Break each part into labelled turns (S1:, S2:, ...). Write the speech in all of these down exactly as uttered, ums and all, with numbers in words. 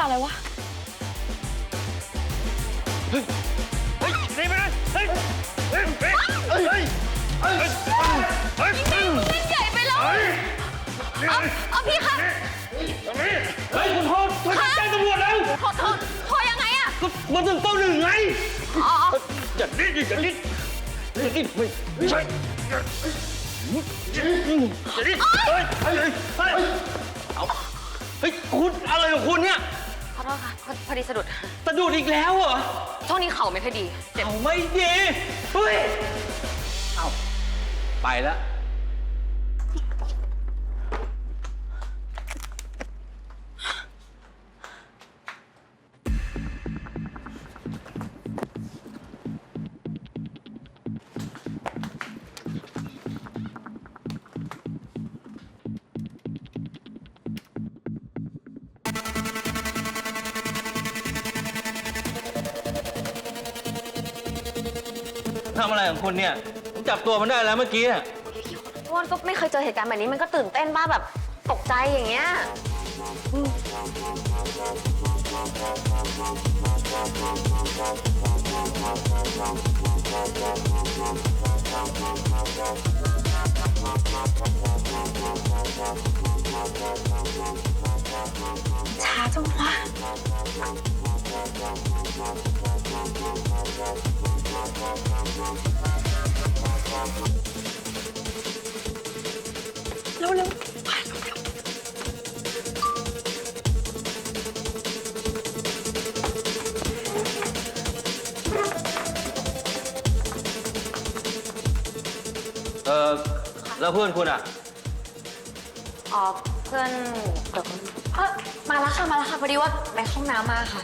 S1: อะไรวะ
S2: เฮ้ยเฮ้ยหนีไปเลยเฮ้ยเฮ้ยเฮ้ยเฮ้ยเฮ้ยเฮ้ยเฮ้ยเล่นใหญ่ไปแล้วเอาเอาพี่คะเฮ้ยคุณโทษโทษแจ้งตำรวจแล้วโทษโทษโทษยังไงอะก็มาถึงเต้าหนึ่งไงอ๋ออย่าดิ้นอย่าดิ้นอย่าดิ้นไม่ไม่ใช่อย่าดิ้นเฮ้ยเฮ้ยเฮ้ยเอาเฮ้ยคุณอะไรของคุณเนี่ย
S1: ขอโทษค่ะพอดีสะดุด
S2: สะดุดอีกแล้วเหรอ
S1: ช่วงนี้เข่าไม่ค่อยดี
S2: เจ็บไม่ดีเฮ้ยเอาไปแล้วทำอะไรของคุณเนี่ยผมจับตัวมันได้แล้วเมื่อกี้อ่ะ
S1: วอนก็ไม่เคยเจอเหตุการณ์แบบนี้มันก็ตื่นเต้นบ้าแบบตกใจอย่างเงี้ยช้าจังวะเร็วเร็วไปเร็วเร็ว
S2: เออแล้วเพื่อนคุณอ่ะ
S1: อ๋อเพื่อนเดี๋ยวเออมาแล้วค่ะมาแล้วค่ะพอดีว่าไปห้องน้ำมาค่ะ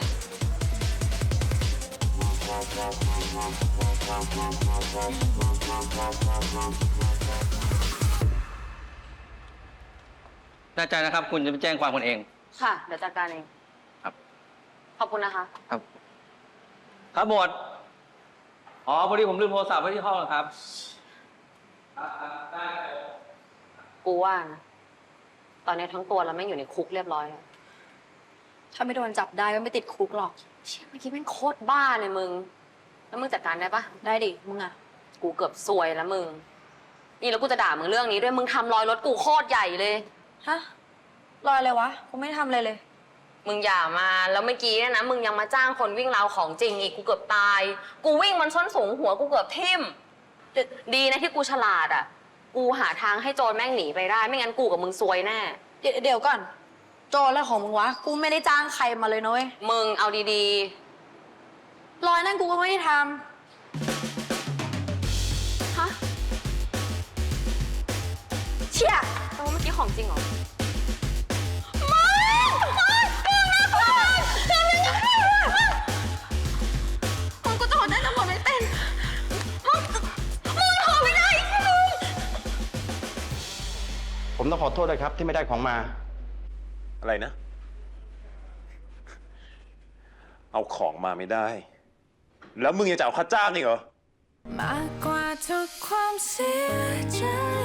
S2: แน่ใจนะครับคุณจะไปแจ้งความกันเอง
S1: ค่ะเดี๋ยวจัดการเอง
S2: ครับ
S1: ขอบคุณนะคะ
S2: ครับครับหมวดอ๋อพอดีผมลืมโทรศัพท์ไว้ที่ห้องครับ
S1: กูว่านะตอนนี้ทั้งตัวเราไม่อยู่ในคุกเรียบร้อยแล้ว
S3: ถ้าไม่โดนจับได้ก็ไม่ติดคุกหรอก
S1: เชี่ยเมื่อกี้แม่งโคตรบ้าเลยมึงแล้วมึงจัดการได้ปะ
S3: ได้ดิมึงอะ
S1: กูเกือบซวยแล้วมึงนี่แล้วกูจะด่ามึงเรื่องนี้ด้วยมึงทำรอยรถกูโคตรใหญ่เลย
S3: ฮะรอยอะไรวะกูไม่ได้ทำอะไรเลย
S1: มึงอย่ามาแล้วเมื่อกี้นะมึงยังมาจ้างคนวิ่งราวของจริงอีกกูเกือบตายกูวิ่งมันส้นสูงหัวกูเกือบทิ่มดีนะที่กูฉลาดอ่ะกูหาทางให้โจรแม่งหนีไปได้ไม่งั้นกูกับมึงซวยแน่
S3: เดี๋ยวเดี๋ยวก่อนโจรอะไรของมึงวะกูไม่ได้จ้างใครมาเลยนะเว้ย
S1: มึงเอาดี
S3: ๆรอยนั่นกูก็ไม่ได้ทำ
S1: ฮะ
S3: เชี่ย
S1: แต่ว่าเมื่อกี้ของจริงเหรอ
S4: ผมต้องขอโทษด้วยครับที่ไม่ได้ของมา
S5: อะไรนะเอาของมาไม่ได้แล้วมึงยังจะเอาค่าจ้างอีกเหรอ
S6: มากกว่าทุกความเสียใจ